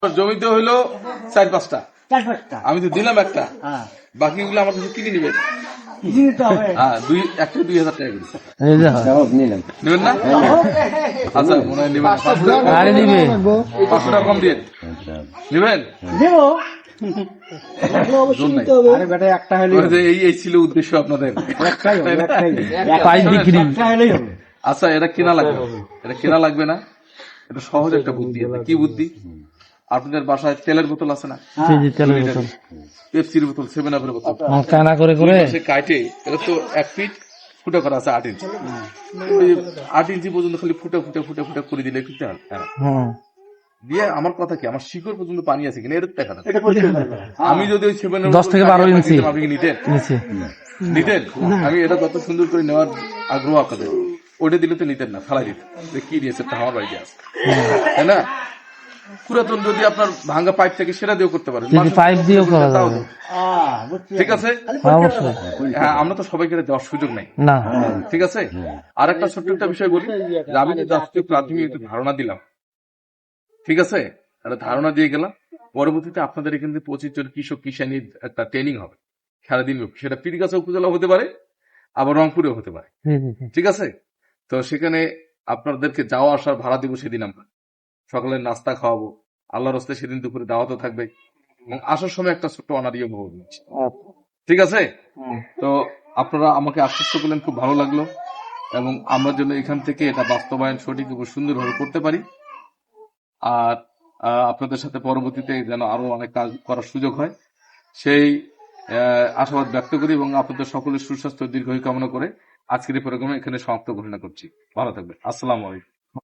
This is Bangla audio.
জমিতে হইলো 4-5টা, আমি তো দিলাম একটা, বাকিগুলো আমার কাছে কিনে নিবেন। হ্যাঁ, একটা 2000 টাকা করে নেবেন না? আচ্ছা, মনে হয় নেবেন। 500 টাকা কম দিয়ে নেবেন। এই ছিল উদ্দেশ্য আপনাদের। আচ্ছা, এটা কেনা লাগবে, এটা কেনা লাগবে না। এটা সহজ একটা বুদ্ধি আছে। কি বুদ্ধি? আপনাদের বাসায় তেলের বোতল আছে না? পেপসির বোতল, 7-আপের বোতল সে কাটে, এটা তো 1 ফিট ফুটা করা আছে 8 ইঞ্চি। ওই 8 ইঞ্চি পর্যন্ত খালি ফুটা ফুটা ফুটা ফুটা করে দিলে কিন্তু দিয়ে আমার কথা কি, আমার শিকড় পর্যন্ত পানি আছে কিনা এটা দেখা না। আমি যদি ওই 10 থেকে 12 ইঞ্চি আপনি নিতেন, আমি এটা কত সুন্দর করে নেওয়ার আগ্রহ আপনাদের, ওইটা দিলে তো নিতেন না, ফেলাই দিতেন। কি দিয়েছে আমার বাড়িতে আছে, তাই না? পুরাতন যদি আপনার ভাঙ্গা পাইপ থেকে সেটা দিয়েও করতে পারেন, পাইপ দিয়েও করা যাবে। ঠিক আছে, হ্যাঁ, আমরা তো সবাইকে দেওয়ার সুযোগ নেই, ঠিক আছে। আর একটা ছোট্ট একটা বিষয় বলি, আমি কিন্তু আজকে প্রাথমিক একটু ধারণা দিলাম, ঠিক আছে, একটা ধারণা দিয়ে গেলাম। পরবর্তীতে আপনাদের এখান থেকে 25 জন কৃষক কিষানির একটা ট্রেনিং হবে সারাদিন, সেটা পীরগাছা উপজেলা হতে পারে, আবার রংপুরেও হতে পারে, ঠিক আছে। তো সেখানে আপনাদেরকে যাওয়া আসার ভাড়া দিব, সেদিন আমরা সকালের নাস্তা খাওয়াবো, আল্লাহর রাস্তায় সেদিন দুপুরে দাওয়াতও থাকবে, এবং আসার সময় একটা ছোট্ট অনারিও ভোগ নিচ্ছে, ঠিক আছে। তো আপনারা আমাকে আশ্বস্ত করলেন, খুব ভালো লাগলো, এবং আমরা যেন এখান থেকে এটা বাস্তবায়ন সঠিক এবং সুন্দরভাবে করতে পারি। আর আপনাদের সাথে পরবর্তীতে যেন আরো অনেক কাজ করার সুযোগ হয়, সেই আশাবাদ ব্যক্ত করি, এবং আপনাদের সকলের সুস্বাস্থ্য দীর্ঘায়ু কামনা করে আজকের এই প্রোগ্রামে এখানে সমাপ্ত ঘোষণা করছি। ভালো থাকবেন। আসসালামু আলাইকুম।